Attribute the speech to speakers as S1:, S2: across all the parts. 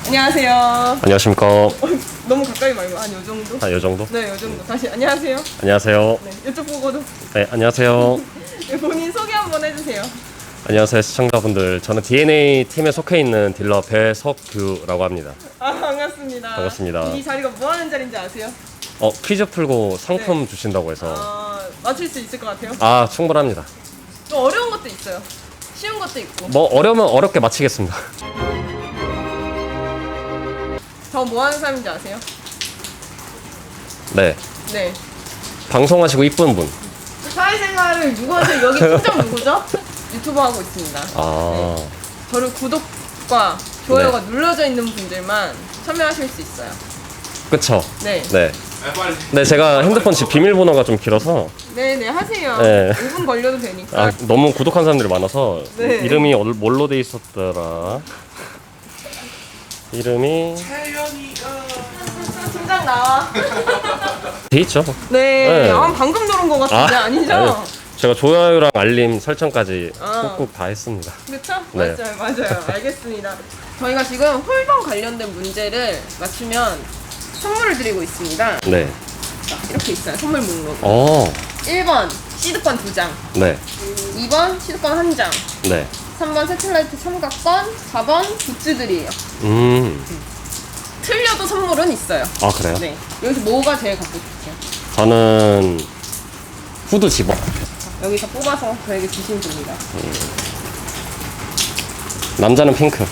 S1: 안녕하세요.
S2: 안녕하십니까.
S1: 너무 가까이 말고 한 요 정도?
S2: 아, 요 정도?
S1: 네, 요 정도. 다시 안녕하세요.
S2: 안녕하세요.
S1: 네, 이쪽 보고도.
S2: 네, 안녕하세요.
S1: 네, 본인 소개 한번 해주세요.
S2: 안녕하세요, 시청자분들. 저는 DNA 팀에 속해 있는 딜러 배석규라고 합니다.
S1: 아, 반갑습니다.
S2: 반갑습니다.
S1: 이 자리가 뭐 하는 자리인지 아세요?
S2: 퀴즈 풀고 상품
S1: 네.
S2: 주신다고 해서.
S1: 맞출 수 있을 것 같아요.
S2: 충분합니다.
S1: 또 어려운 것도 있어요. 쉬운 것도 있고.
S2: 뭐, 어려우면 어렵게 마치겠습니다.
S1: 저 뭐 하는 사람인지 아세요?
S2: 네.
S1: 네.
S2: 방송하시고 이쁜 분.
S1: 사회생활을 누구 하세요? 여기 팀장 누구죠? 유튜버 하고 있습니다. 네. 저를 구독과 좋아요가 눌러져 있는 분들만 참여하실 수 있어요.
S2: 그쵸?
S1: 네.
S2: 네. 네, 제가 핸드폰 비밀번호가 좀 길어서.
S1: 네네, 하세요.
S2: 네.
S1: 5분 걸려도 되니까.
S2: 너무 구독한 사람들이 많아서.
S1: 네.
S2: 이름이 뭘로 돼 있었더라? 이름이
S1: 팀장 나와.
S2: 돼 있죠.
S1: 네.
S2: 네.
S1: 방금 들은 것 같은데 아니죠?
S2: 아니, 제가 좋아요랑 알림 설정까지
S1: 아.
S2: 꾹꾹 다 했습니다.
S1: 그렇죠?
S2: 네.
S1: 맞아요. 알겠습니다. 저희가 지금 홀덤 관련된 문제를 맞추면 선물을 드리고 있습니다.
S2: 네.
S1: 자, 이렇게 있어요. 선물 목록. 1번 시드권 2장,
S2: 네.
S1: 2번 시드권 1장,
S2: 네.
S1: 3번 새틀라이트 삼각권, 4번 굿즈들이에요. 틀려도 선물은 있어요.
S2: 그래요?
S1: 네. 여기서 뭐가 제일 갖고 싶으세요?
S2: 저는 후드 집업.
S1: 여기서 뽑아서 저에게 주시면 됩니다.
S2: 남자는 핑크.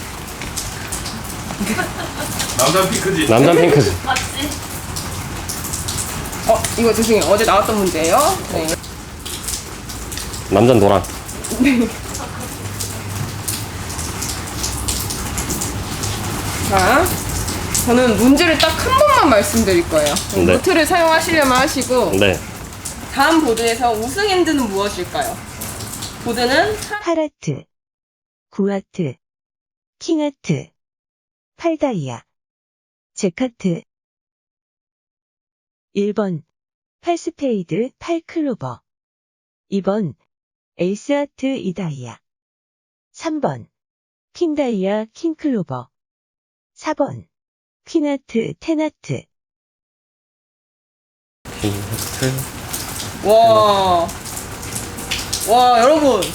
S3: 남자 핑크지.
S2: 남자는 핑크지.
S1: 이거 죄송해요. 어제 나왔던 문제예요. 네.
S2: 남자는 노랑.
S1: 자, 저는 문제를 딱 한 번만 말씀드릴 거예요.
S2: 네.
S1: 노트를 사용하시려면 하시고
S2: 네.
S1: 다음 보드에서 우승 핸드는 무엇일까요? 보드는
S4: 8하트, 9하트, 킹하트, 8다이아, 잭하트. 1번 8스페이드 8클로버, 2번 에이스하트 2다이아, 3번 킹다이아 킹클로버, 4번 퀸하트 10하트.
S2: 핑크.
S1: 와, 여러분.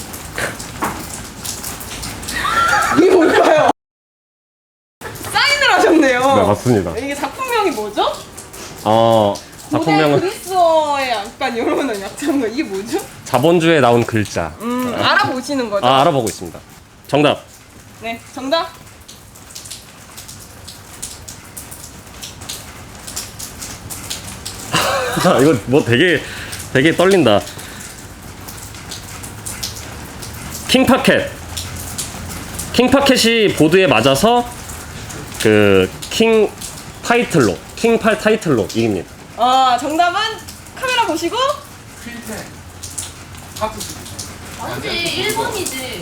S1: 이게 뭘까요? 사인을 하셨네요.
S2: 네, 맞습니다.
S1: 이게 작품명이 뭐죠? 고대
S2: 작품명은
S1: 그리스어의 약간 이런 약자인 거 이게 뭐죠?
S2: 자본주의에 나온 글자.
S1: 알아보시는 거죠?
S2: 알아보고 있습니다. 정답.
S1: 네, 정답.
S2: 이거 뭐 되게 떨린다. 킹파켓이 보드에 맞아서 킹 킹8 타이틀로 이깁니다.
S1: 정답은 카메라 보시고
S3: 퀸텐. 하트.
S5: 아니지 1번이지.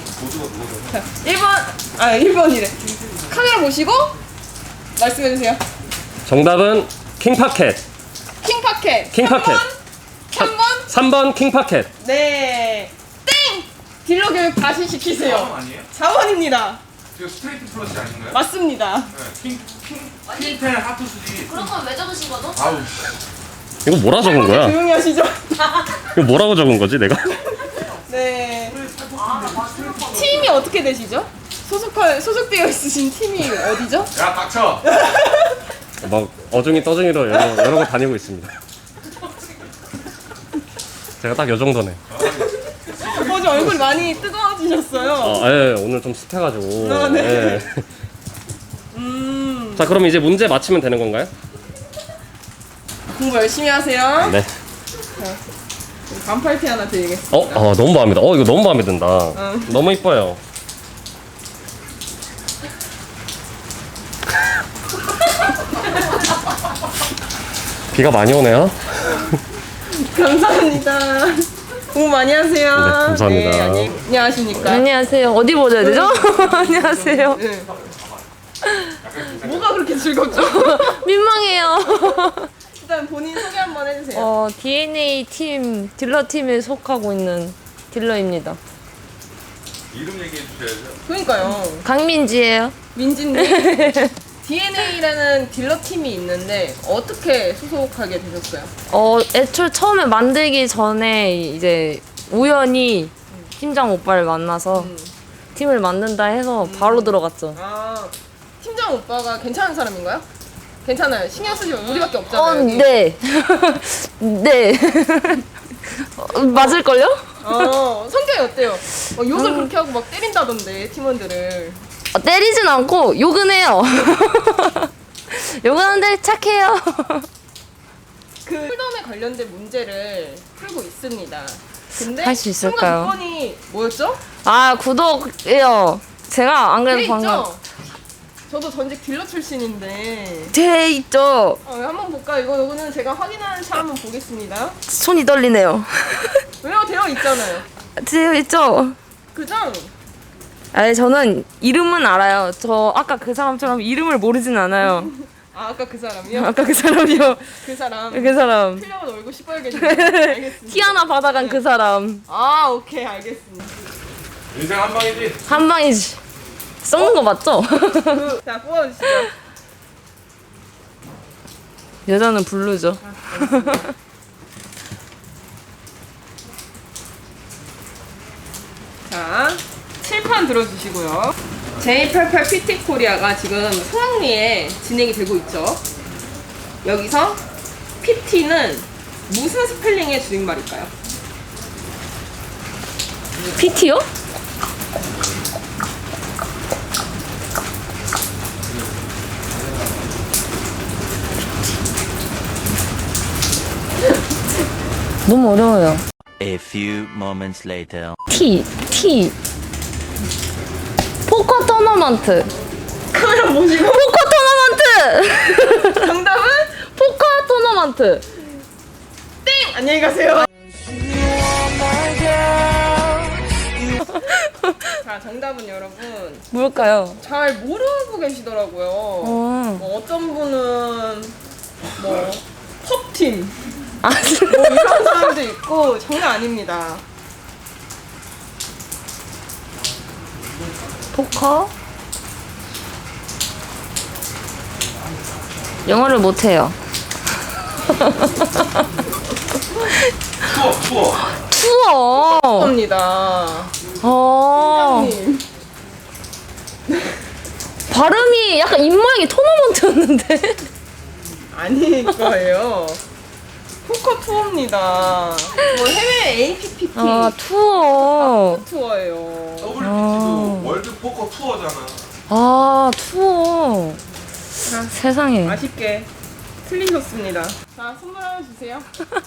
S1: 1번이래. 카메라 보시고 말씀해 주세요.
S2: 정답은 킹파켓.
S1: 킹파켓.
S2: 킹파켓.
S1: 3번.
S2: 3번 킹파켓.
S1: 네. 땡! 딜러 교육 다시 시키세요.
S3: 4번 아니에요?
S1: 4번입니다.
S3: 이거 스트레이트 플러스 아닌가요?
S1: 맞습니다.
S3: 네. 퀸텐 하트 수지.
S5: 그런 건 왜 적으신 거죠?
S3: 아우.
S2: 이거 뭐라 적은 거야?
S1: 조용히 하시죠.
S2: 이거 뭐라고 적은 거지 내가?
S1: 네. 팀이 어떻게 되시죠? 소속되어 있으신 팀이 어디죠?
S3: 야 닥쳐.
S2: 막 어중이 떠중이로 여러 거 다니고 있습니다. 제가 딱 요 정도네.
S1: 어제 얼굴이 많이 뜨거워지셨어요.
S2: 예, 오늘 좀 습해가지고.
S1: 네.
S2: 예. 자, 그럼 이제 문제 맞히면 되는 건가요?
S1: 공부 열심히 하세요.
S2: 네.
S1: 반팔티 하나 드리겠습니다.
S2: 너무 마음에 든다. 이거 너무 마음에 든다. 너무 이뻐요. 비가 많이 오네요.
S1: 감사합니다. 공부 많이 하세요.
S2: 네, 감사합니다.
S1: 네, 안녕하십니까.
S5: 안녕하세요. 어디 보셔야 되죠? 안녕하세요.
S1: 네. 뭐가 그렇게 즐겁죠?
S5: 민망해요.
S1: 일단 본인 소개 한번 해주세요.
S5: DNA 팀, 딜러 팀에 속하고 있는 딜러입니다.
S3: 이름 얘기해 주셔야죠.
S1: 그러니까요.
S5: 강민지예요.
S1: 민진님. DNA라는 딜러 팀이 있는데 어떻게 소속하게 되셨어요?
S5: 애초에 처음에 만들기 전에 이제 우연히 팀장 오빠를 만나서 팀을 만든다 해서 바로 들어갔죠.
S1: 아, 팀장 오빠가 괜찮은 사람인가요? 괜찮아요. 신경 쓰지 마. 우리밖에 없잖아요. 여기.
S5: 네. 네. 맞을걸요?
S1: 성격이 어때요? 욕을 그렇게 하고 막 때린다던데 팀원들을.
S5: 때리진 않고 욕은 해요. 욕은 하는데 착해요.
S1: 그 홀덤에 관련된 문제를 풀고 있습니다. 근데
S5: 할수 있을까요?
S1: 참가 조건이 뭐였죠?
S5: 아, 구독이요. 제가 안
S1: 돼
S5: 그래도 방금
S1: 있죠? 저도 전직 딜러 출신인데
S5: 돼 있죠.
S1: 한번 볼까요? 이거는 제가 확인하는 차 한번 보겠습니다.
S5: 손이 떨리네요.
S1: 왜요? 되어 있잖아요.
S5: 되어 있죠.
S1: 그죠?
S5: 아니, 저는 이름은 알아요. 저 아까 그 사람처럼 이름을 모르진 않아요.
S1: 아까 그 사람이요?
S5: 아까 그 사람이요.
S1: 그 사람.
S5: 그 사람.
S1: 틀려면 얼굴 시뻘개지네. 알겠습니다.
S5: 티 하나 받아간 그 사람.
S1: 아, 오케이, 알겠습니다.
S3: 인생 한 방이지.
S5: 한 방이지. 썩는 거 맞죠?
S1: 자, 뽑아주시죠.
S5: 여자는 블루죠.
S1: 자, 칠판 들어주시고요. J88 PT 코리아가 지금 성황리에 진행이 되고 있죠. 여기서 PT는 무슨 스펠링의 줄임말일까요?
S5: PT요? 너무 어려워요.
S6: A few moments later.
S5: T. 포커 토너먼트.
S1: 카메라 보시고
S5: 포커 토너먼트.
S1: 정답은
S5: 포커 토너먼트.
S1: 땡! 안녕히 가세요. 자, 정답은 여러분
S5: 뭘까요?
S1: 잘 모르고 계시더라고요. 어떤 분은 뭐 펍팀
S5: 아,
S1: 뭐 이런 사람도 있고 장난 아닙니다.
S5: 포커? 영어를 못해요.
S3: 투어.
S5: 투어.
S1: 겁니다.
S5: 님. 발음이 약간 입모양이 토너먼트였는데.
S1: 아닐 거예요. 포커 투어입니다. 뭐 해외 APPT
S5: 아, 투어.
S1: 투어예요.
S3: WPT도 월드 포커 투어잖아.
S5: 아, 투어.
S1: 자,
S5: 세상에.
S1: 아쉽게 틀리셨습니다. 자, 선물 하나 주세요.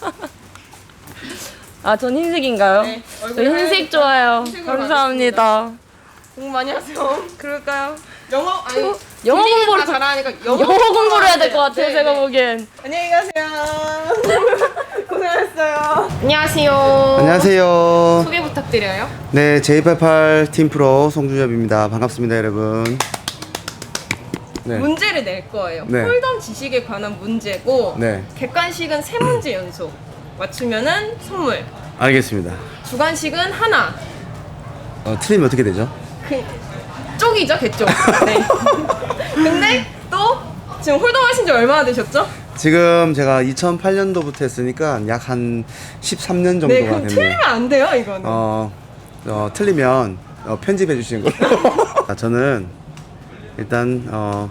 S5: 아, 전 흰색인가요?
S1: 네,
S5: 저
S1: 얼굴에
S5: 흰색
S1: 하얀
S5: 좋아요.
S1: 흰색으로
S5: 감사합니다.
S1: 공부 많이 하세요.
S5: 그럴까요?
S1: 영어 아니
S5: 영어
S1: 딜링을
S5: 공부를
S1: 다 잘하니까
S5: 영어 공부를 해야 될 것 같아요,
S1: 네,
S5: 제가
S1: 네.
S5: 보기엔.
S1: 안녕히 가세요. 고생하셨어요. 안녕하세요.
S7: 안녕하세요.
S1: 소개 부탁드려요.
S7: 네, J88 팀 프로 송준엽입니다. 반갑습니다, 여러분. 네.
S1: 문제를 낼 거예요.
S7: 네.
S1: 홀덤 지식에 관한 문제고
S7: 네.
S1: 객관식은 3문제 연속. 맞추면은 선물.
S7: 알겠습니다.
S1: 주관식은 하나.
S7: 틀리면 어떻게 되죠?
S1: 쪽이죠, 개쪽. 네. 근데 또 지금 홀덤 하신 지 얼마나 되셨죠?
S7: 지금 제가 2008년도부터 했으니까 약 한 13년 정도가
S1: 네, 그럼
S7: 됐네요.
S1: 틀리면 안 돼요, 이거는.
S7: 틀리면 편집해 주시는 걸로. 자, 저는 일단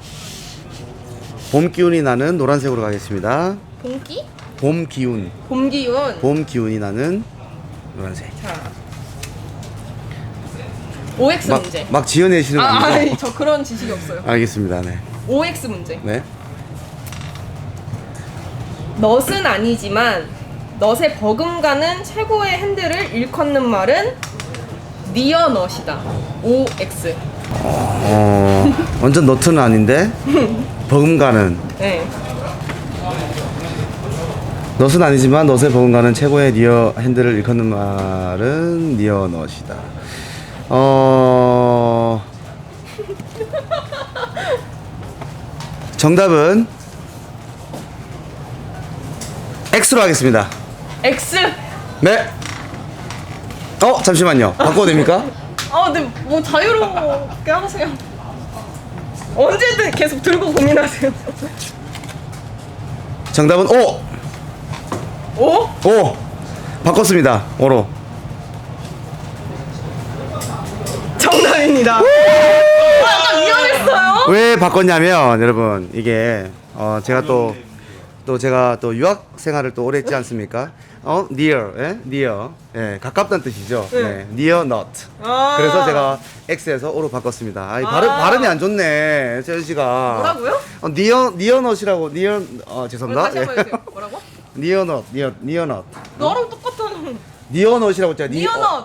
S7: 봄 기운이 나는 노란색으로 가겠습니다.
S1: 봄기?
S7: 봄 기운.
S1: 봄 기운.
S7: 봄 기운이 나는 노란색.
S1: 자. OX 문제.
S7: 막 지어내시는 거 아니죠?
S1: 아니, 저 그런 지식이 없어요.
S7: 알겠습니다. 네.
S1: OX 문제.
S7: 네.
S1: 넛은 아니지만 넛에 버금가는 최고의 핸들을 일컫는 말은 니어 넛이다. OX.
S7: 완전 너트는 아닌데 버금가는
S1: 네.
S7: 넛은 아니지만 넛에 버금가는 최고의 니어 핸들을 일컫는 말은 니어 넛이다. 정답은 X로 하겠습니다.
S1: X.
S7: 네. 잠시만요. 바꿔도 됩니까?
S1: 네, 뭐 자유롭게 하세요. 언제든 계속 들고 고민하세요.
S7: 정답은 O.
S1: 오?
S7: O. 바꿨습니다. O로.
S1: 정답입니다. 약간 위험했어요.
S7: 왜 바꿨냐면 여러분 이게 제가 또 제가 또 유학 생활을 또 오래 했지 않습니까? near, 예? near, 예, 가깝다는 뜻이죠. 네, near not.
S1: 아.
S7: 그래서 제가 X에서 O로 바꿨습니다. 아이, 발음이 안 좋네, 재현 씨가.
S1: 뭐라고요?
S7: near not이라고 near 죄송합니다.
S1: 다시 한번 해주세요. 뭐라고?
S7: near not, near not.
S1: 너랑 똑같아.
S7: near not이라고 했잖아.
S1: 니어넛.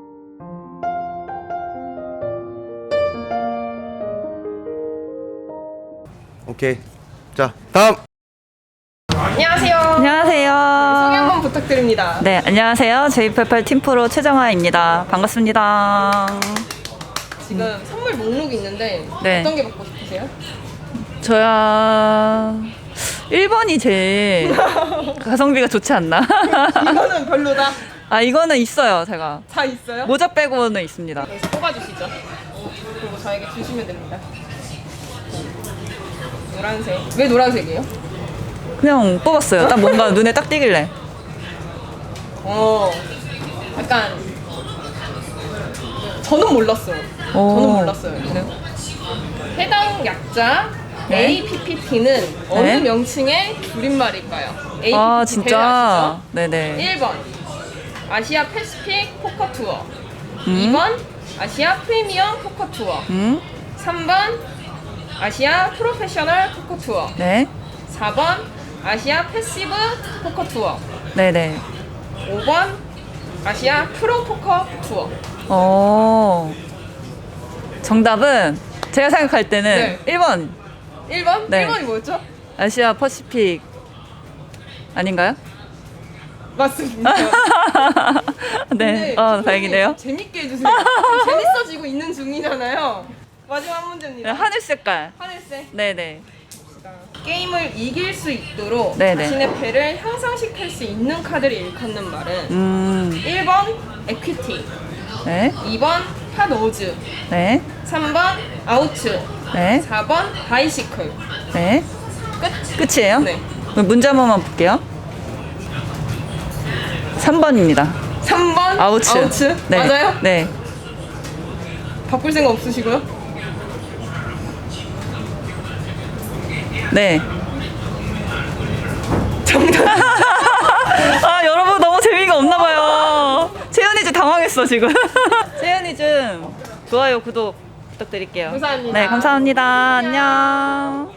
S7: 오케이. 자, 다음.
S1: 안녕하세요.
S8: 안녕하세요.
S1: 소개 한번 부탁드립니다.
S8: 네, 안녕하세요. J88 팀프로 최정아입니다. 반갑습니다.
S1: 지금 선물 목록이 있는데
S8: 네.
S1: 어떤 게 받고 싶으세요?
S8: 저야 1번이 제일 가성비가 좋지 않나?
S1: 이거는 별로다.
S8: 아, 이거는 있어요, 제가.
S1: 다 있어요?
S8: 모자 빼고는 있습니다.
S1: 여기서 뽑아주시죠. 그리고 저에게 주시면 됩니다. 노란색. 왜 노란색이에요?
S8: 그냥 뽑았어요. 딱 뭔가 눈에 딱 띄길래.
S1: 약간 저는 몰랐어요.
S8: 오.
S1: 저는 몰랐어요. 해당 약자
S8: 네.
S1: APPT는 어느
S8: 네.
S1: 명칭의 줄임말일까요? APPT
S8: 아,
S1: 대회
S8: 진짜?
S1: 아시죠?
S8: 네네.
S1: 1번 아시아 패시픽 포커 투어 2번 아시아 프리미엄 포커 투어 3번 아시아 프로페셔널 포커 투어
S8: 네.
S1: 4번 아시아 패시브 포커 투어
S8: 네네.
S1: 5번 아시아 프로 포커 투어.
S8: 정답은 제가 생각할 때는
S1: 네.
S8: 1번
S1: 1번?
S8: 네.
S1: 1번이 뭐였죠?
S8: 아시아 퍼시픽 아닌가요?
S1: 맞습니다.
S8: 네.
S1: 근데
S8: 다행이네요.
S1: 재밌게 해주세요. 지금 재밌어지고 있는 중이잖아요. 마지막 문제입니다.
S8: 네, 하늘 색깔.
S1: 하늘색.
S8: 네네.
S1: 게임을 이길 수 있도록
S8: 네네.
S1: 자신의 패를 향상시킬 수 있는 카드를 일컫는 말은 1번 에퀴티,
S8: 네.
S1: 2번 핫오즈,
S8: 네.
S1: 3번 아우츠,
S8: 네.
S1: 4번 바이시클.
S8: 네.
S1: 끝.
S8: 끝이에요?
S1: 네.
S8: 그럼 문제 한 번만 볼게요. 3번입니다.
S1: 3번
S8: 아우츠. 네.
S1: 맞아요?
S8: 네.
S1: 바꿀 생각 없으시고요?
S8: 네. 정답. 아, 여러분 너무 재미가 없나 봐요. 채연이 좀 당황했어, 지금. 채연이 좀 좋아요, 구독 부탁드릴게요.
S1: 감사합니다.
S8: 네, 감사합니다. 안녕.